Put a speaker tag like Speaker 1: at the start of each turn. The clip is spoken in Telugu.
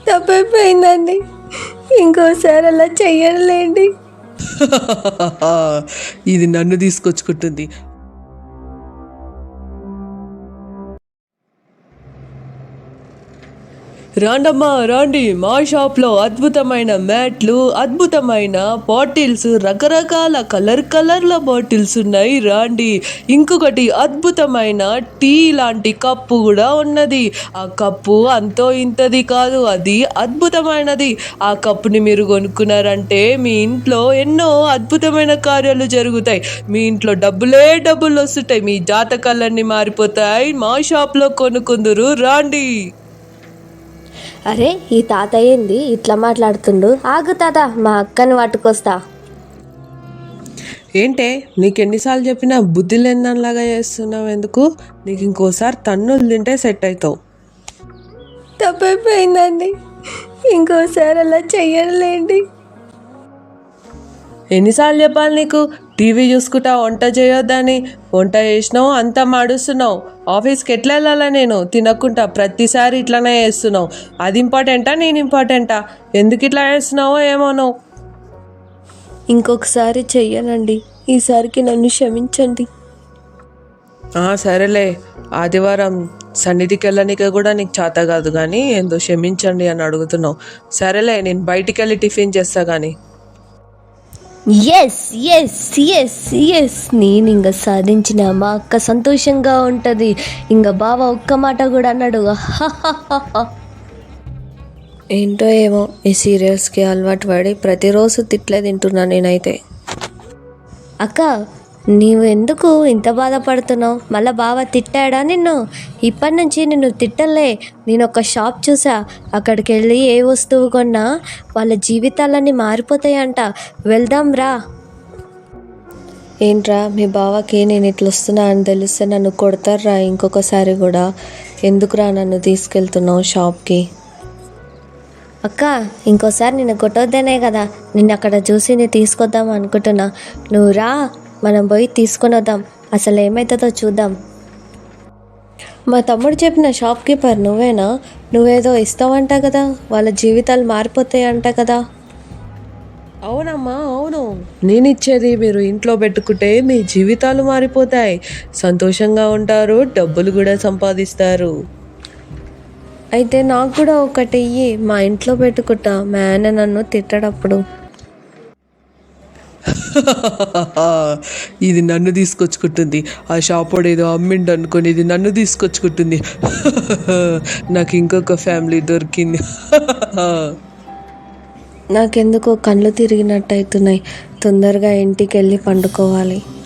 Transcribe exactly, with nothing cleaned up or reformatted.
Speaker 1: తప్పైపోయిందండి, ఇంకోసారి అలా చెయ్యలేండి.
Speaker 2: ఇది నన్ను తీసుకొచ్చుకుంటుంది. రాండమ్మా రాండి, మా షాప్లో అద్భుతమైన మ్యాట్లు, అద్భుతమైన బాటిల్స్, రకరకాల కలర్ కలర్ల బాటిల్స్ ఉన్నాయి. రాండి. ఇంకొకటి అద్భుతమైన టీ లాంటి కప్పు కూడా ఉన్నది. ఆ కప్పు అంతో ఇంతది కాదు, అది అద్భుతమైనది. ఆ కప్పుని మీరు కొనుక్కున్నారంటే మీ ఇంట్లో ఎన్నో అద్భుతమైన కార్యాలు జరుగుతాయి. మీ ఇంట్లో డబ్బులే డబ్బులు వస్తుంటాయి, మీ జాతకాలన్నీ మారిపోతాయి. మా షాప్లో కొనుక్కుందురు రాండి.
Speaker 1: అరే, ఈ తాత ఏంది ఇట్లా మాట్లాడుతుండు? ఆగు తాత, మా అక్కని పట్టుకొస్తా.
Speaker 2: ఏంటే, నీకు ఎన్నిసార్లు చెప్పినా బుద్ధి లేనిదానిలాగా చేస్తున్నావు ఎందుకు? నీకు ఇంకోసారి తన్నులు తింటే సెట్ అవుతావు.
Speaker 1: తప్పైపోయిందండి, ఇంకోసారి అలా చెయ్యలేండి.
Speaker 2: ఎన్నిసార్లు చెప్పాలి నీకు? టీవీ చూసుకుంటా వంట చేయొద్దని. వంట చేసినావు, అంతా మాడుస్తున్నావు. ఆఫీస్కి ఎట్లా వెళ్ళాలా నేను? తినకుండా ప్రతిసారి ఇట్లానే చేస్తున్నావు. అది ఇంపార్టెంటా, నేను ఇంపార్టెంటా? ఎందుకు ఇట్లా చేస్తున్నావో ఏమో నువ్వు.
Speaker 1: ఇంకొకసారి చెయ్యనండి, ఈసారికి నన్ను క్షమించండి.
Speaker 2: సరేలే, ఆదివారం సన్నిధికి వెళ్ళడానికి కూడా నీకు చేత కాదు కానీ ఏందో క్షమించండి అని అడుగుతున్నావు. సరేలే, నేను బయటికి వెళ్ళి టిఫిన్ చేస్తా కానీ.
Speaker 1: ఎస్ ఎస్ ఎస్ ఎస్ నేను ఇంకా సాధించిన, మా అక్క సంతోషంగా ఉంటుంది. ఇంకా బావ ఒక్క మాట కూడా అన్నాడు. ఏంటో ఏమో, ఈ సీరియల్స్కి అలవాటు పడి ప్రతిరోజు తిట్లే తింటున్నా నేనైతే. అక్క, నీవు ఎందుకు ఇంత బాధపడుతున్నావు? మళ్ళీ బావ తిట్టాడా నిన్ను? ఇప్పటి నుంచి నిన్ను తిట్టలే. నేను ఒక షాప్ చూసా, అక్కడికి వెళ్ళి ఏ వస్తువు కొన్నా వాళ్ళ జీవితాలన్నీ మారిపోతాయంట. వెళ్దాం రా. ఏంట్రా, మీ బావకి నేను ఇట్లా వస్తున్నా అని తెలిస్తే నన్ను కొడతారా ఇంకొకసారి కూడా? ఎందుకురా నన్ను తీసుకెళ్తున్నావు షాప్కి? అక్క, ఇంకోసారి నిన్ను కొట్టొద్దనే కదా నిన్ను అక్కడ చూసి నేను తీసుకొద్దాం అనుకుంటున్నా. నువ్వు రా, మనం పోయి తీసుకొని వద్దాం. అసలు ఏమవుతుందో చూద్దాం. మా తమ్ముడు చెప్పిన షాప్ కీపర్ నువ్వేనా? నువ్వేదో ఇస్తావంట కదా, వాళ్ళ జీవితాలు మారిపోతాయంట కదా?
Speaker 2: అవునమ్మా, అవును. నేను ఇచ్చేది మీరు ఇంట్లో పెట్టుకుంటే మీ జీవితాలు మారిపోతాయి, సంతోషంగా ఉంటారు, డబ్బులు కూడా సంపాదిస్తారు.
Speaker 1: అయితే నాకు కూడా ఒకటి ఇయ్యి, మా ఇంట్లో పెట్టుకుంటా. మా ఆయన నన్ను తిట్టడప్పుడు.
Speaker 2: ఇది నన్ను తీసుకొచ్చుకుంటుంది. ఆ షాప్ వాడు ఏదో అమ్మిండు అనుకొని ఇది నన్ను తీసుకొచ్చుకుంటుంది. నాకు ఇంకొక ఫ్యామిలీ దొరికింది.
Speaker 1: నాకెందుకో కళ్ళు తిరిగినట్టు అవుతున్నాయి. తొందరగా ఇంటికి వెళ్ళి పండుకోవాలి.